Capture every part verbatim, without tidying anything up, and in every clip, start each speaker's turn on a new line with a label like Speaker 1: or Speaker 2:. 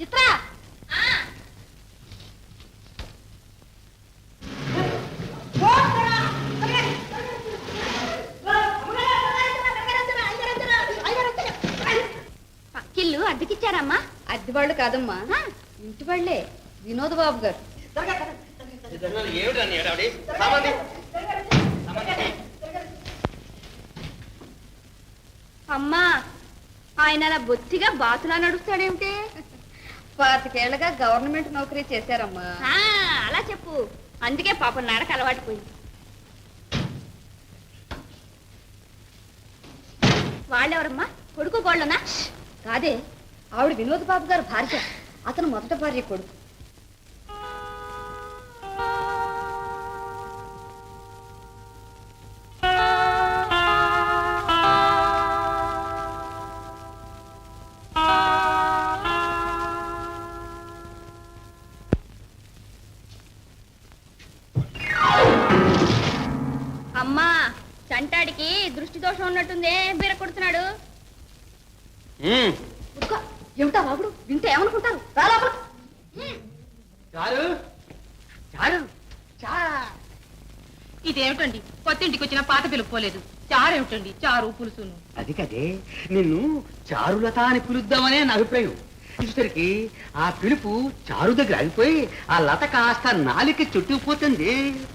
Speaker 1: చిత్ర పక్కిల్లు అద్దెకిచ్చారమ్మా?
Speaker 2: అద్దె వాళ్ళు కాదమ్మా, ఇంటి వాళ్ళే. వినోద్ బాబు గారు.
Speaker 1: అమ్మా, ఆయన అలా బొత్తిగా బాతులా నడుస్తాడేమిటి?
Speaker 2: పాతికేళ్లగా గవర్నమెంట్ నౌకరీ చేశారమ్మా.
Speaker 1: అలా చెప్పు, అందుకే పాపం నడక అలవాటు పోయింది. వాళ్ళెవరమ్మా? కొడుకు గోళ్ళనా?
Speaker 2: కాదే, ఆవిడ వినోద్ బాబు గారు భార్య. అతను మొదట భార్య కొడుకు.
Speaker 1: అమ్మా, చంటాడికి దృష్టి దోషం ఉన్నట్టుందే, బీర కొడుతున్నాడు.
Speaker 2: ఏమిటా వాగుడు? వింటే ఏమనుకుంటారు?
Speaker 3: ఇదేమిటండి, కొత్త ఇంటికి వచ్చిన పాత పిలుపుకోలేదు. చారేమిటండి, చారు పులుసును.
Speaker 4: అది కదే, నిన్ను చారులత అని పిలుద్దామనే నా అభిప్రాయం. చూసరికి ఆ పిలుపు చారు దగ్గర ఆగిపోయి ఆ లత కాస్త నాలికి చుట్టుకుపోతుంది.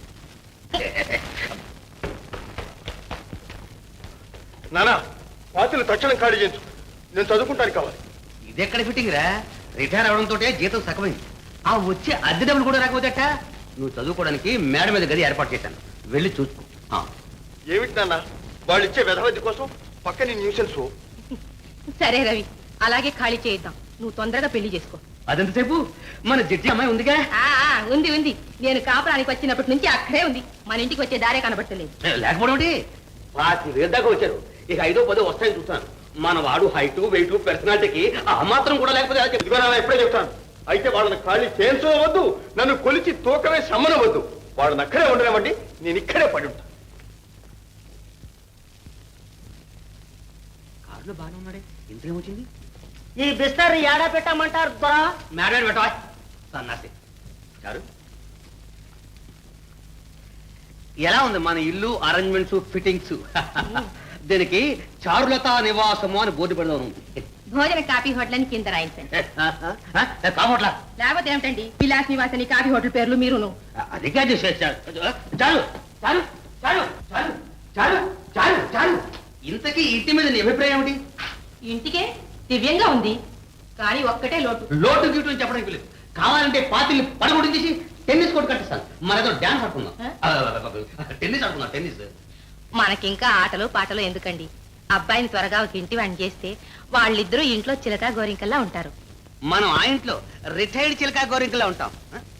Speaker 5: నానా, పాత్రలు తక్షణం ఖాళీ చేయించు, నేను చదువుకుంటానికి కావాలి.
Speaker 4: ఇదెక్కడ ఫిట్టింగ్ రా? రిటైర్ అవడంతో జీతం సగమైంది. ఆ వచ్చే అద్దె డబ్బులు కూడా రాకపోతేట. నువ్వు చదువుకోవడానికి మేడ మీద గది ఏర్పాటు చేశాను, వెళ్ళి చూసుకో.
Speaker 5: ఏమిటి నాన్న, వాళ్ళు ఇచ్చే వెధవద్ది కోసం పక్కని న్యూసెన్స్.
Speaker 3: సరే రవి, అలాగే ఖాళీ చేయిద్దాం. నువ్వు తొందరగా పెళ్లి చేసుకో.
Speaker 4: అదెంతసేపు? మన జడ్జి అమ్మాయి ఉందిగా?
Speaker 3: ఉంది ఉంది. నేను కాపురానికి వచ్చినప్పటి నుంచి అక్కడే ఉంది. మన ఇంటికి వచ్చే దారే కనబట్టలేదు.
Speaker 4: లేకపోవడం ఒకటి పాతి వేలు దాకా వచ్చారు. ఇక ఐదో పదో వస్తాయని చూస్తాను. మన వాడు హైట్ వెయిట్ పర్సనాలిటీకి ఆ మాత్రం కూడా లేకపోతే
Speaker 5: ఎప్పుడే చెప్తాను. అయితే వాళ్ళని ఖాళీ చేయించవద్దు, నన్ను కొలిచి తూకమే సమ్మనవద్దు. వాళ్ళని అక్కడే ఉండలేమండి, నేను ఇక్కడే పడి ఉంటాను.
Speaker 4: కారులో బాగానే ఉన్నాడే, ఇంతేం వచ్చింది?
Speaker 6: ఈ బిస్తర్ ఏడా పెట్టమంటారు దొరా?
Speaker 4: మేడం పెట్టవా సన్నాసి గారు. ఎలా ఉంది మన ఇల్లు అరేంజ్మెంట్స్ ఫిట్టింగ్స్? దీనికి చారులత నివాసము అని బోర్డు పెడదాం.
Speaker 3: భోజన కాఫీ హోటల్ అని కింద రాయించండి.
Speaker 4: కావట్లా
Speaker 3: లేకపోతే ఏమిటండి, విలాస్ నివాసని కాఫీ హోటల్ పేర్లు మీరును.
Speaker 4: అది కాదు. చాలు చాలు చాలు చాలు చాలు చాలు చాలు. ఇంతకీ ఇంటి మీద నీ అభిప్రాయం ఏమిటి?
Speaker 3: ఇంటికే దివ్యంగా ఉంది, కానీ ఒక్కటే లోటు.
Speaker 4: లోటు గీటు చెప్పడానికి లేదు. కావాలంటే పాతిల్ని పడగొట్టి తీసి టెన్నిస్ కోర్టు కట్టిస్తాను. మన ఏదో డాన్స్ ఆడుకుందాం, టెన్నిస్ ఆడుకుందాం. టెన్నిస్
Speaker 3: మనకింకా ఆటలు పాటలు ఎందుకండి? అబ్బాయిని త్వరగా ఒక ఇంటి వాణి చేస్తే వాళ్ళిద్దరూ ఇంట్లో చిలక గోరింకల్లా ఉంటారు.
Speaker 4: మనం ఆ ఇంట్లో రిటైర్డ్ చిలక గోరింకల్లా ఉంటాం.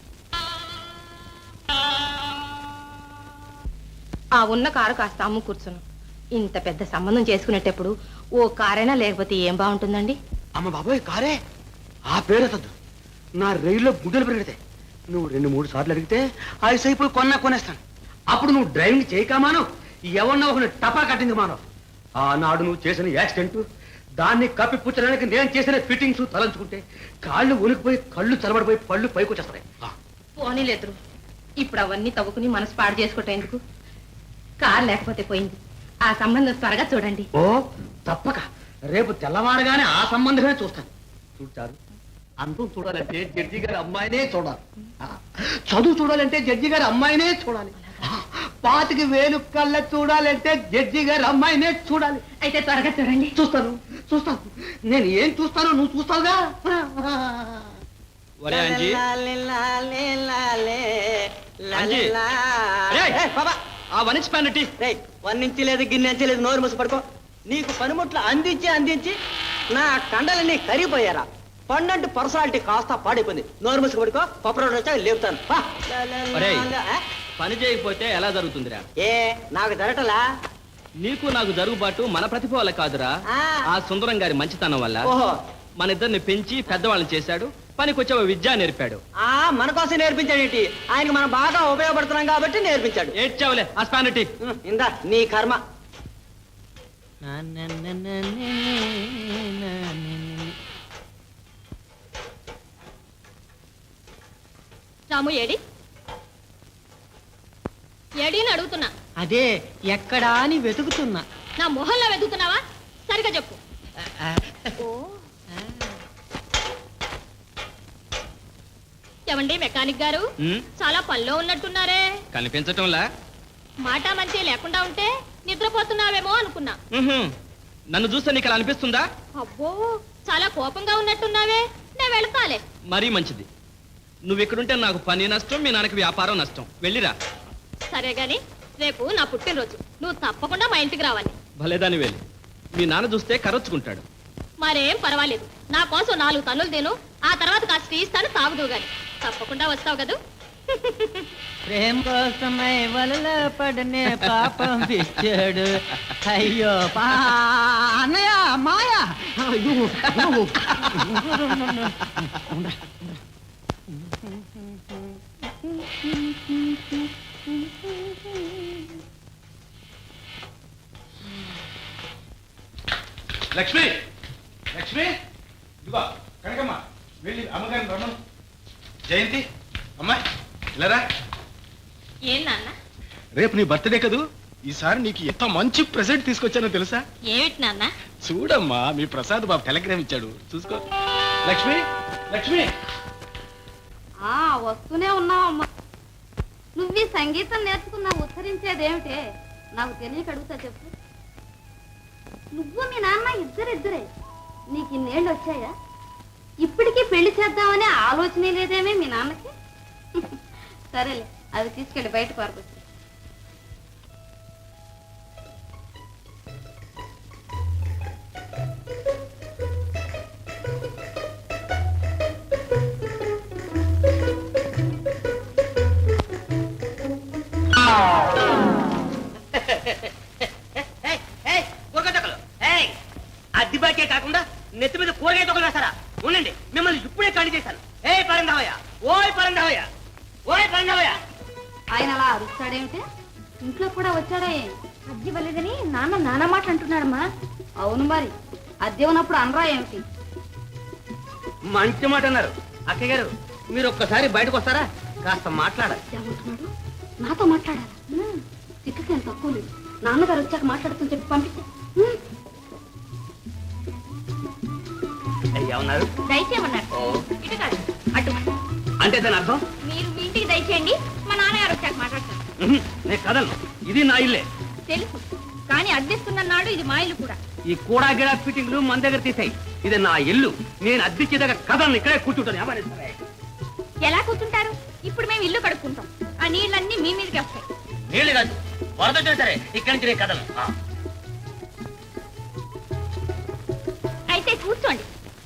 Speaker 3: ఆ ఉన్న కారు కాస్త అమ్ము కూర్చును. ఇంత పెద్ద సంబంధం చేసుకునేటప్పుడు ఓ కారైనా లేకపోతే ఏం బాగుంటుందండి?
Speaker 4: అమ్మ బాబోయ్, కారే ఆ పేరుతద్దు. నా రైల్లో గుడ్డలు పెరిగితే నువ్వు రెండు మూడు సార్లు అడిగితే ఐదు అయిపోయి కొన్నా కొనేస్తాను. అప్పుడు నువ్వు డ్రైవింగ్ చేయకమాను, ఎవరినో ఒకరిని టపా కట్టింది మానవు. ఆనాడు నువ్వు చేసిన యాక్సిడెంట్, దాన్ని కప్పిపుచ్చడానికి నేను చేసిన ఫిట్టింగ్స్ తలంచుకుంటే కాళ్ళు ఉనికిపోయి కళ్ళు చలబడిపోయి పళ్ళు పైకి వచ్చేస్తాయి.
Speaker 3: పోనీలేదు, ఇప్పుడు అవన్నీ తవ్వుకుని మనసు పాడు చేసుకోవటం ఎందుకు? కారు లేకపోతే పోయింది, ఆ సంబంధం త్వరగా చూడండి.
Speaker 4: ఓ తప్పక రేపు తెల్లవారుగానే ఆ సంబంధమే చూస్తాను. చూడారు, అందం చూడాలంటే జడ్జి గారి అమ్మాయినే చూడాలి. చదువు చూడాలంటే జడ్జి గారి అమ్మాయినే చూడాలి. పాతికి వేలు కళ్ళ చూడాలంటే జడ్జి గారి అమ్మాయినే చూడాలి.
Speaker 3: అయితే త్వరగా చూడండి.
Speaker 4: చూస్తాను చూస్తాను నేను ఏం చూస్తానో నువ్వు చూస్తావుగా.
Speaker 6: వన్నించి లేదు గిన్నెంచి లేదు, నోరు మూసి పడుకో. నీకు పనిముట్లు అందించి అందించి నా కండలన్నీ కరిగిపోయారా? పండంటి పర్సనాలిటీ కాస్త పాడైపోయింది. నోరు మూసి పడుకో, పప్పరోడు వచ్చా లేపుతాను.
Speaker 7: పని చేయకపోతే ఎలా జరుగుతుందిరా?
Speaker 6: ఏ నాకు జరగటలా?
Speaker 7: నీకు నాకు జరుగుబాటు మన ప్రతిభ వల్ల కాదురా, ఆ సుందరం గారి మంచితనం వల్ల.
Speaker 6: ఓహో,
Speaker 7: మన ఇద్దరిని పెంచి పెద్దవాళ్ళని చేశాడు, పనికొచ్చే విద్య నేర్పాడు.
Speaker 6: ఆ మన కోసం నేర్పించాడు ఏంటి? ఆయనకు మనం బాగా ఉపయోగపడుతున్నాం కాబట్టి నేర్పించాడు.
Speaker 7: ఏడ్చావులే ఆ స్పానిటీ.
Speaker 6: ఇందా నీ కర్మ.
Speaker 1: రాము ఏడి ఏడీని అడుగుతున్నా.
Speaker 6: అదే ఎక్కడా అని వెతుకుతున్నా.
Speaker 1: నా మొహంలో వెతుకుతున్నావా? సరిగా చెప్పు. ఓ ఏమండి మెకానిక్ గారు, చాలా పనిలో ఉన్నట్టున్నారే.
Speaker 7: కనిపించటంలా?
Speaker 1: మాట మంచి లేకుండా ఉంటే నిద్రపోతున్నావేమో అనుకున్నా.
Speaker 7: నన్ను చూస్తే నీకు అలా అనిపిస్తుందా?
Speaker 1: అబ్బో చాలా కోపంగా ఉన్నట్టున్నావే. నేను వెళ్తాలే.
Speaker 7: మరీ మంచిది. నువ్వు ఇక్కడుంటే నాకు పని నష్టం, మీ నాన్నకి వ్యాపారం నష్టం. వెళ్ళిరా.
Speaker 1: సరే గాని రేపు నా పుట్టినరోజు, నువ్వు తప్పకుండా మా ఇంటికి రావాలి.
Speaker 7: భలేదాని వెళ్ళి మీ నాన్న చూస్తే కరొచ్చుకుంటాడు.
Speaker 1: మరేం పర్వాలేదు, నా కోసం నాలుగు తన్నులు తిను, ఆ తర్వాత కాస్త టీ ఇస్తాను, తాగుదు గాని. తప్పకుండా వస్తావు కదూ?
Speaker 6: ప్రేమ కోసమై వలలో పడనే పాపం పిచ్చాడు. అయ్యో పా అన్నయ్య మాయా.
Speaker 8: లక్ష్మి, లక్ష్మి, ఇదిగో కనకమ్మ, వెళ్ళి అమ్మగారిని రమ్మను. జయంతి, అమ్మాయి ఇలారా.
Speaker 1: ఏం నాన్న?
Speaker 8: రేపు నీ బర్త్డే కదూ, ఈసారి నీకు ఎంత మంచి ప్రెజెంట్ తీసుకొచ్చానో తెలుసా?
Speaker 1: ఏమిటి నాన్న?
Speaker 8: చూడమ్మా, మీ ప్రసాద్ బాబు టెలిగ్రామ్ ఇచ్చాడు, చూసుకో. లక్ష్మి, లక్ష్మి.
Speaker 2: ఆ వస్తూనే ఉన్నావమ్మా. నువ్వు ఈ సంగీతం నేర్చుకున్నావు, ఉత్తరించేదేమిటే? నాకు తెలియక అడుగుతా చెప్పు. నువ్వు మీ నాన్న ఇద్దరిద్దరే, నీకు ఇన్నేళ్ళు వచ్చాయా? ఇప్పటికీ పెళ్లి చేద్దామనే ఆలోచనే లేదేమే మీ నాన్నకి? సరేలే, అది తీసుకెళ్ళి బయట పారుకొచ్చు.
Speaker 6: అద్దిబాకే కాకుండా నెత్తి మీద కూరగాయ తొక్కలు వేస్తారా? ఉండండి, మిమ్మల్ని ఇప్పుడే ఖాళీ చేశాను. ఏ పరంధావయ్య, ఓయ్ పరంధావయ్య, ఓయ్ పరంధావయ్య.
Speaker 2: ఆయన అలా అరుస్తాడేమిటే? ఇంట్లో కూడా వచ్చాడే. అద్దె ఇవ్వలేదని నాన్న నాన్న మాట అంటున్నాడమ్మా. అవును మరి, అద్దె ఉన్నప్పుడు అనరా ఏమిటి?
Speaker 4: మంచి మాట అన్నారు. అక్కయ్య గారు, మీరు ఒక్కసారి బయటకు వస్తారా? కాస్త మాట్లాడాలి.
Speaker 2: ఏమంటున్నాడు? నాతో మాట్లాడాలి. చిక్కకేం తక్కువ లేదు. నాన్నగారు వచ్చాక మాట్లాడుతూ చెప్పి పంపిస్తే.
Speaker 4: ఏమన్నారు?
Speaker 1: దయచేయమన్నారు. ఇటు కాదు, అటు.
Speaker 4: అంటే దాని అర్థం?
Speaker 1: మీరు మీ ఇంటికి దయచేయండి, మా నాన్నగారు వచ్చాక మాట్లాడతాను.
Speaker 4: నేను కదలను, ఇది నా ఇల్లే.
Speaker 1: తెలుసు, కానీ అద్దెస్తున్న నాడు ఇది మా ఇల్లు కూడా.
Speaker 4: ఈ కూడా గిడా ఫిట్టింగ్లు మన దగ్గర తీసాయి. ఇది నా ఇల్లు, నేను అద్దెకి దగ్గర కదలను, ఇక్కడే కూర్చుంటాను. ఏమని సరే.
Speaker 1: ఎలా కూర్చుంటారు? ఇప్పుడు మేము ఇల్లు కడుక్కుంటాం, ఆ నీళ్ళన్నీ మీ మీదకి వస్తాయి.
Speaker 4: నీళ్ళు కాదు, వరదొచ్చినా సరే ఇక్కడి నుంచి నేను కదలను.
Speaker 1: అయితే కూర్చోండి.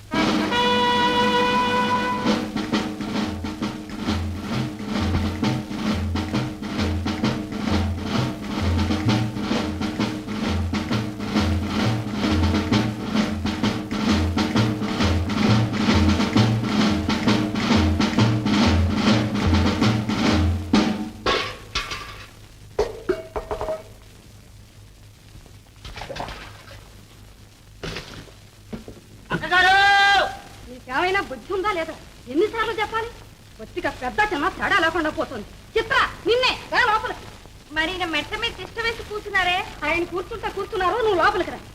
Speaker 2: నీకేమైనా బుద్ధి ఉందా లేదా? ఎన్నిసార్లు చెప్పాలి? బొత్తిగా పెద్ద చిన్న తేడా లేకుండా పోతుంది. చిత్ర, నిన్నే రా లోపలికి.
Speaker 1: మరి మెట్ట మీద తిష్ట వేసి కూర్చున్నారే?
Speaker 2: ఆయన కూర్చుంటా కూర్చున్నారు, నువ్వు లోపలికి రా.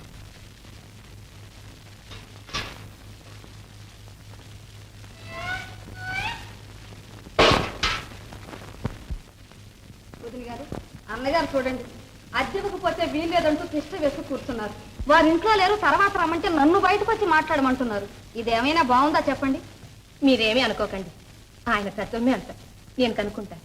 Speaker 2: వదిన గారు, అన్నగారు చూడండి, అద్దెకపోతే వీల్లేదంటూ తిష్ట వేసి కూర్చున్నారు. వారి ఇంట్లో లేరు, తర్వాత రమ్మంటే నన్ను బయటకు వచ్చి మాట్లాడమంటున్నారు. ఇదేమైనా బాగుందా చెప్పండి?
Speaker 3: మీరేమీ అనుకోకండి, ఆయన తత్వమే అంత. నేను కనుక్కుంటాను.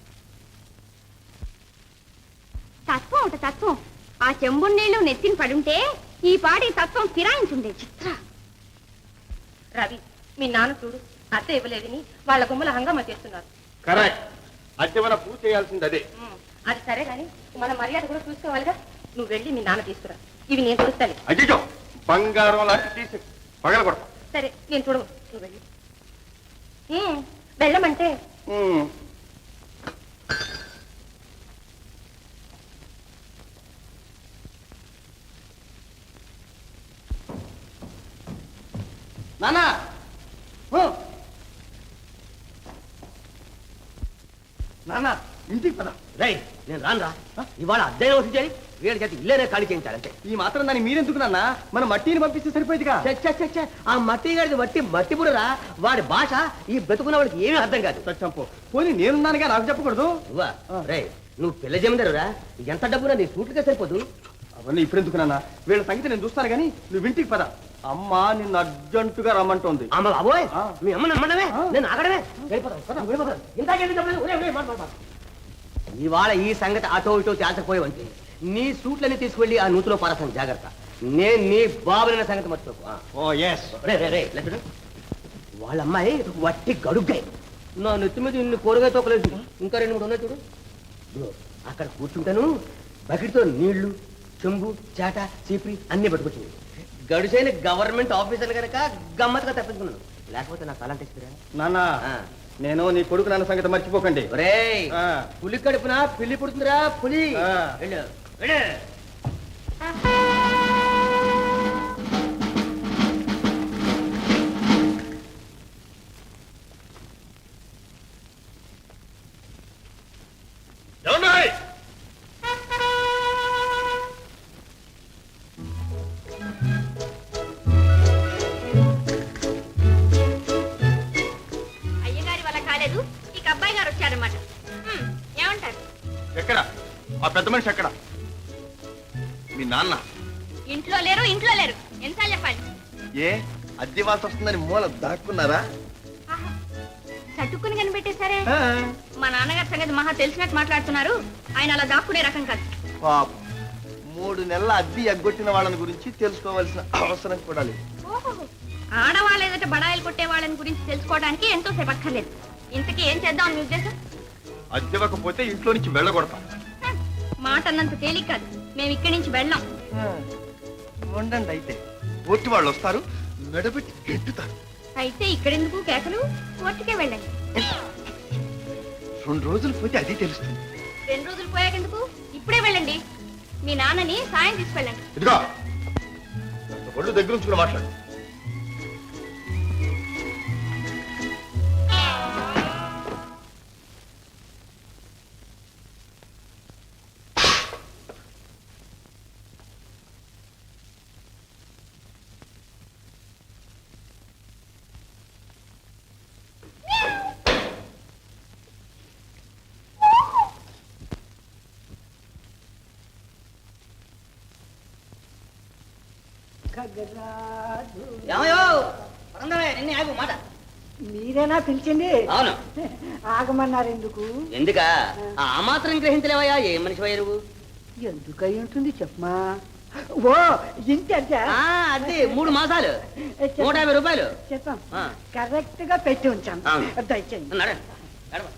Speaker 1: తత్వం ఒక తత్వం. ఆ చెంబుడు నీళ్లు నెత్తిని పడుంటే ఈ పాటి తత్వం ఫిరాయించుండే. చిత్ర,
Speaker 3: రవి, మీ నాన్న చూడు, అత్త ఇవ్వలేదని వాళ్ళ గుమ్మల హంగామా చేస్తున్నారు.
Speaker 5: కరెక్ట్, అద్దె మన పూర్తి చేయాల్సింది అదే.
Speaker 3: అది సరే గాని మన మర్యాద కూడా చూసుకోవాలిగా. నువ్వు వెళ్ళి మీ నాన్న తీసుకురా, ఇవి నేను చూస్తాను.
Speaker 5: అయ్యో, బంగారం లాంటి తీసి పగల కొడతా.
Speaker 3: సరే, నేను చూడవు, నువ్వు వెళ్ళి. వెళ్ళమంటే
Speaker 6: నానా
Speaker 5: నాన్న ఇంటికి పద.
Speaker 6: రై నేను రాను రా. ఇవాళ అద్దె వసూలు వీడి చేతి ఇల్లేనే ఖాళీ చేయించాలంటే.
Speaker 5: ఈ మాత్రం దాన్ని మీరెందుకు నాన్న? మన మట్టిని పంపిస్తే సరిపోయేదిగా.
Speaker 6: చచ్చ ఆ మట్టి గాడిది మట్టి మట్టి బుర్రరా. వాడి భాష ఈ బ్రతుకున్న వాడికి ఏమీ అర్థం కాదు.
Speaker 5: చంపో పోనీ నేనున్నానుగా, నాకు చెప్పకూడదు.
Speaker 6: నువ్వా రే నువ్వు పిల్ల జమీందారురా. ఎంత డబ్బునా నీ సూట్లుగా సరిపోదు.
Speaker 5: అవన్నీ ఇప్పుడెందుకు నాన్న? వీళ్ళ సంగతి నేను చూస్తాను కానీ నువ్వు ఇంటికి పద. అమ్మ నిన్ను అర్జెంటుగా రమ్మంటోంది.
Speaker 6: అమ్మ బాబోయ్
Speaker 5: ఆ.
Speaker 6: మీ అమ్మ నమ్మడమే
Speaker 5: ఆ.
Speaker 6: నేను ఆగడమే. వెళ్ళిపోతాను, పద, వెళ్ళిపోతాను. ఇందాకేంటి చెప్పలేదు? ఒరే, ఒరే, మాట, మాట, మాట. ఇవాళ ఈ సంగతి అటో ఇటో తేల్చకపోయేవంటే నీ సూట్లన్నీ తీసుకెళ్ళి ఆ నూతులో పారసాను. జాగ్రత్త. నేను నీ బాబులైన సంగతి మర్చిపోకు. ఆ.
Speaker 5: ఓ ఎస్.
Speaker 6: రే రే రే ఇలా చూడు. వాళ్ళ అమ్మాయి వట్టి గడుగ్గాయి. నా నెత్తి మీద ఇన్ని కూరగాయ తోకలేదు. ఇంకా రెండు మూడు ఉన్నాయి చూడు. ఇదిగో, అక్కడ కూర్చుంటాను. బకెట్తో నీళ్లు, చెంబు, చాట, చీపిరి అన్ని పట్టుకొచ్చింది. గడుసైన గవర్నమెంట్ ఆఫీసర్ కనుక గమ్మత్తుగా తప్పించుకున్నాను. లేకపోతే నా తలంటే ఇస్తురా
Speaker 5: నాన్న
Speaker 6: ఆ.
Speaker 5: నేను నీ కొడుకు నాన్న సంగతి మర్చిపోకండి.
Speaker 6: ఒరేయ్
Speaker 5: ఆ.
Speaker 6: పులి కడుపున పిల్లి పుడుతుందిరా పులి.
Speaker 5: ఆ.
Speaker 6: వెళ్ళు, వెళ్ళు.
Speaker 1: అయ్యగారి వల్ల కాలేదు, ఇక అబ్బాయి గారు వచ్చారన్నమాట. హ్మ్, ఏమంటారు?
Speaker 5: ఎక్కడ ఆ పెద్ద మనిషి? ఎక్కడ మీ నాన్న?
Speaker 1: ఇంట్లో లేరు, ఇంట్లో లేరు. ఎన్నిసార్లు చెప్పాలి?
Speaker 5: ఏ అద్దెవాల్సి వస్తుందని మూల దాక్కున్నారా?
Speaker 1: ఆహా, చట్టుకుని కనిపెట్టేశారే. మా నాన్నగారి సంగతి మహా తెలిసినట్టు మాట్లాడుతున్నారు. ఆయన అలా దాక్కునే రకం కాదు.
Speaker 5: పాపం, మూడు నెలల అద్దె ఎగ్గొట్టిన వాళ్ళని గురించి తెలుసుకోవాల్సిన అవసరం కూడా లేదు.
Speaker 1: ఓహో, ఆడవాళ్ళ ఎదుట బడాయిలు కొట్టే వాళ్ళని గురించి తెలుసుకోవడానికి ఎంతో సేపు అక్కర్లేదు. ఇంతకీ ఏం చేద్దాం మీ ఉద్దేశం?
Speaker 5: అద్దెవ్వకపోతే ఇంట్లో నుంచి వెళ్ళగొడతాం.
Speaker 1: హ, మాట అన్నంత తేలిక కాదు. మేము ఇక్కడి నుంచి వెళ్ళాం.
Speaker 5: ఉండండి, అయితే కోర్టు వాళ్ళు వస్తారు, మెడబెట్టి గెట్టుతారు.
Speaker 1: అయితే ఇక్కడెందుకు కేకలు? కోర్టుకే వెళ్ళండి.
Speaker 5: రెండు రోజులు పోతే అది తెలుస్తుంది.
Speaker 1: రెండు రోజులు పోయాకెందుకు? ఇప్పుడే వెళ్ళండి. మీ నాన్నని సాయం తీసుకెళ్ళండి.
Speaker 5: ఇదిగో ఒళ్ళు దగ్గర నుంచి కూడా మాట్లాడు.
Speaker 6: మాట
Speaker 9: మీరేనా పిలిచింది?
Speaker 6: అవును.
Speaker 9: ఆగమన్నారు ఎందుకు?
Speaker 6: ఎందుకా ఆ మాత్రం గ్రహించలేవయ్యా? ఏ మనిషి వయ్య నువ్వు?
Speaker 9: ఎందుకై ఉంటుంది చెప్పమా. ఓ ఇంటి అద్దె
Speaker 6: అదే మూడు మాసాలు నూట యాభై రూపాయలు
Speaker 9: చెప్పాం.
Speaker 6: ఆ.
Speaker 9: కరెక్ట్ గా పెట్టి ఉంచాం.
Speaker 6: అవును.
Speaker 9: దయచేయండి.
Speaker 6: నడండి, నడవ.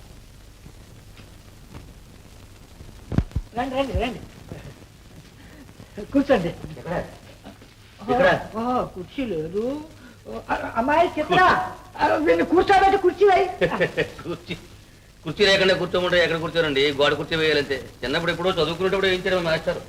Speaker 9: రండి రండి రండి కూర్చోండి.
Speaker 6: ఇక్కడ?
Speaker 9: ఓ, కుర్చీ లేదు. ఓ, అమ్మాయి చిత్ర వీళ్ళు కూర్చోబెట్టి కుర్చీ వేయి.
Speaker 7: కుర్చీ కుర్చీ లేకుండా కూర్చోమంటే ఎక్కడ కూర్చోరండి? గోడ కుర్చీ వేయాలంతే. చిన్నప్పుడు ఎప్పుడో చదువుకునేటప్పుడు ఏం చేయడం మాస్టర్.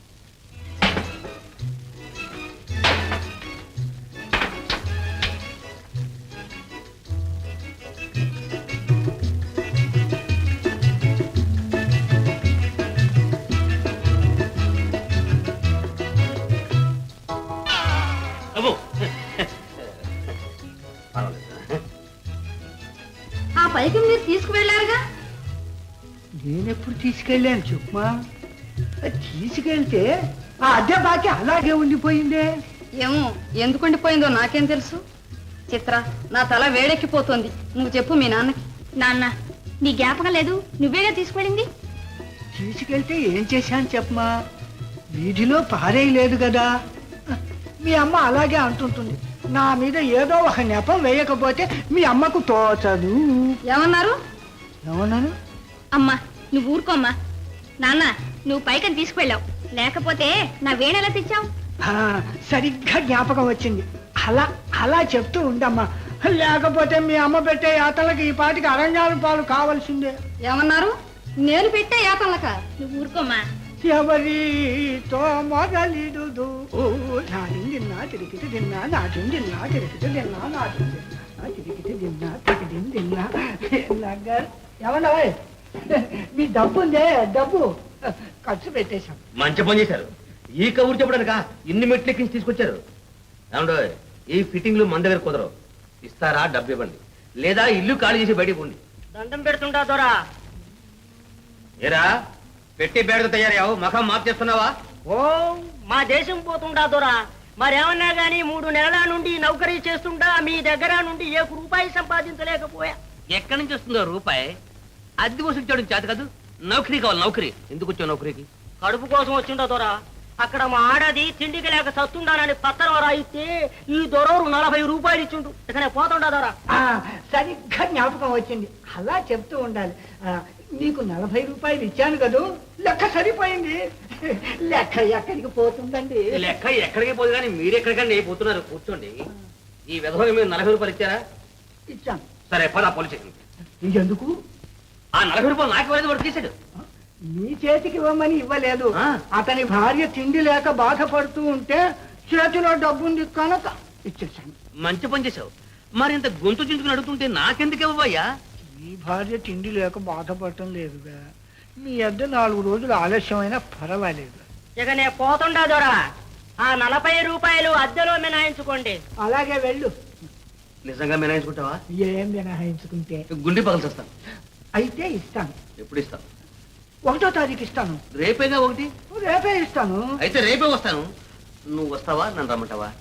Speaker 2: ఆ పైకి మీరు తీసుకువెళ్ళారుగా.
Speaker 9: నేనెప్పుడు తీసుకెళ్ళాను చెప్పుమా. తీసుకెళ్తే ఆ అద్దె బాకి అలాగే ఉండిపోయిందే.
Speaker 2: ఏమో ఎందుకు ఉండిపోయిందో నాకేం తెలుసు. చిత్ర, నా తల వేడెక్కిపోతోంది. నువ్వు చెప్పు మీ నాన్నకి.
Speaker 1: నాన్న, నీ జ్ఞాపకం లేదు? నువ్వేగా తీసుకెళ్ళింది.
Speaker 9: తీసుకెళ్తే ఏం చేశాను చెప్పమా. వీధిలో పారేయలేదు కదా. మీ అమ్మ అలాగే అంటుంటుంది. నా మీద ఏదో ఒక నెపం వేయకపోతే మీ అమ్మకు తోచదు.
Speaker 2: ఏమన్నారు?
Speaker 9: ఏమన్నాను?
Speaker 1: అమ్మా నువ్వు ఊరుకోమ్మా. నాన్న, నువ్వు పైకని తీసుకువెళ్ళావు, లేకపోతే నా వేణెలా తెచ్చావు?
Speaker 9: ఆ, సరిగ్గా జ్ఞాపకం వచ్చింది. అలా అలా చెప్తూ ఉండమ్మా. లేకపోతే మీ అమ్మ పెట్టే యాతలకి ఈ పాటికి అరణ్యాల పాలు కావాల్సిందే.
Speaker 2: ఏమన్నారు? నేను పెట్టే యాతలక?
Speaker 1: నువ్వు ఊరుకోమ్మా.
Speaker 9: ఎవరితో మొదలిడు నాటిందిన్నా తిరిగితే తిన్నా నాటిందిన్నా తిరిగితే తిన్నా నాటిందిన్నా తిరిగితే తిన్నా తిరిగి తిన్నా నగర్. ఏమన్నా మీ డబ్బు ఉందే డబ్బు ఖర్చు పెట్టేశాం.
Speaker 7: మంచి పని చేశారు. ఈ కబురు చెప్పడానికా ఇన్ని మెట్లు ఎక్కించి తీసుకొచ్చారు. ఏమండో ఈ ఫిట్టింగ్లు మన దగ్గర కుదరవు. ఇస్తారా డబ్బు ఇవ్వండి, లేదా ఇల్లు ఖాళీ చేసి బయటికి పోండి.
Speaker 6: దండం పెడుతుంటా దొరా.
Speaker 7: ఏరా పెట్టి బేడతో తయారయ్యావు, మఖం మాప్ చేస్తున్నావా?
Speaker 6: ఓ మా దేశం పోతుంటా దొరా. మరేమన్నా గానీ మూడు నెలల నుండి నౌకరీ చేస్తుంటా మీ దగ్గర నుండి ఏ రూపాయి సంపాదించలేకపోయా.
Speaker 7: ఎక్కడి నుంచి వస్తుందో రూపాయి? అద్దె వసూలు చేయడం చేత కాదు. నౌకరీ కావాలి. నౌకరీ ఎందుకు వచ్చావు నౌకరీకి?
Speaker 6: కడుపు కోసం వచ్చింటా దొరా. అక్కడ మా ఆడది తిండికి లేక సత్తుండానని పత్రం రాయిస్తే ఈ దొరవరు నలభై రూపాయలు ఇచ్చిండు. ఇకనే పోతుండా దొరా.
Speaker 9: ఆ, సరిగ్గా జ్ఞాపకం వచ్చింది. అలా చెప్తూ ఉండాలి. ఆ, నీకు నలభై రూపాయలు ఇచ్చాను కదూ, లెక్క సరిపోయింది. లెక్క ఎక్కడికి పోతుందండి?
Speaker 7: లెక్క ఎక్కడికి పోదు కానీ మీరు ఎక్కడికండి పోతున్నారు. కూర్చోండి. ఈ విధంగా మీరు నలభై రూపాయలు ఇచ్చారా?
Speaker 9: ఇచ్చాను.
Speaker 7: సరే పద పోలీస్ స్టేషన్.
Speaker 9: ఎందుకు?
Speaker 7: ఆ నలభై రూపాయలు నాకు ఇవ్వలేదు, వాడు తీసాడు.
Speaker 9: నీ చేతికి ఇవ్వమని ఇవ్వలేదు.
Speaker 7: ఆ.
Speaker 9: అతని భార్య తిండి లేక బాధపడుతూ ఉంటే చేతిలో డబ్బుంది కనుక ఇచ్చేసాను.
Speaker 7: మంచి పని చేసావు. మరి ఇంత గొంతు చించుకుని అడుగుతుంటే నాకెందుకు ఇవ్వయ్యా?
Speaker 9: నీ భార్య తిండి లేక బాధపడటం లేదుగా. మీ అద్దె నాలుగు రోజులు ఆలస్యమైనా పర్వాలేదు.
Speaker 6: ఇక నే పోతుండా దొరా. ఆ నలభై రూపాయలు అద్దెలో మినాయించుకోండి.
Speaker 9: అలాగే వెళ్ళు.
Speaker 7: నిజంగా మినాయించుకుంటావా?
Speaker 9: ఏం మినహాయించుకుంటే
Speaker 7: గుండె పగలు వస్తాను.
Speaker 9: అయితే ఇస్తాను.
Speaker 7: ఎప్పుడు ఇస్తావు?
Speaker 9: ఒకటో తారీఖు ఇస్తాను.
Speaker 7: రేపేగా ఒకటి.
Speaker 9: రేపే ఇస్తాను.
Speaker 7: అయితే రేపే వస్తాను. నువ్వు వస్తావా? నన్ను రమ్మంటావా?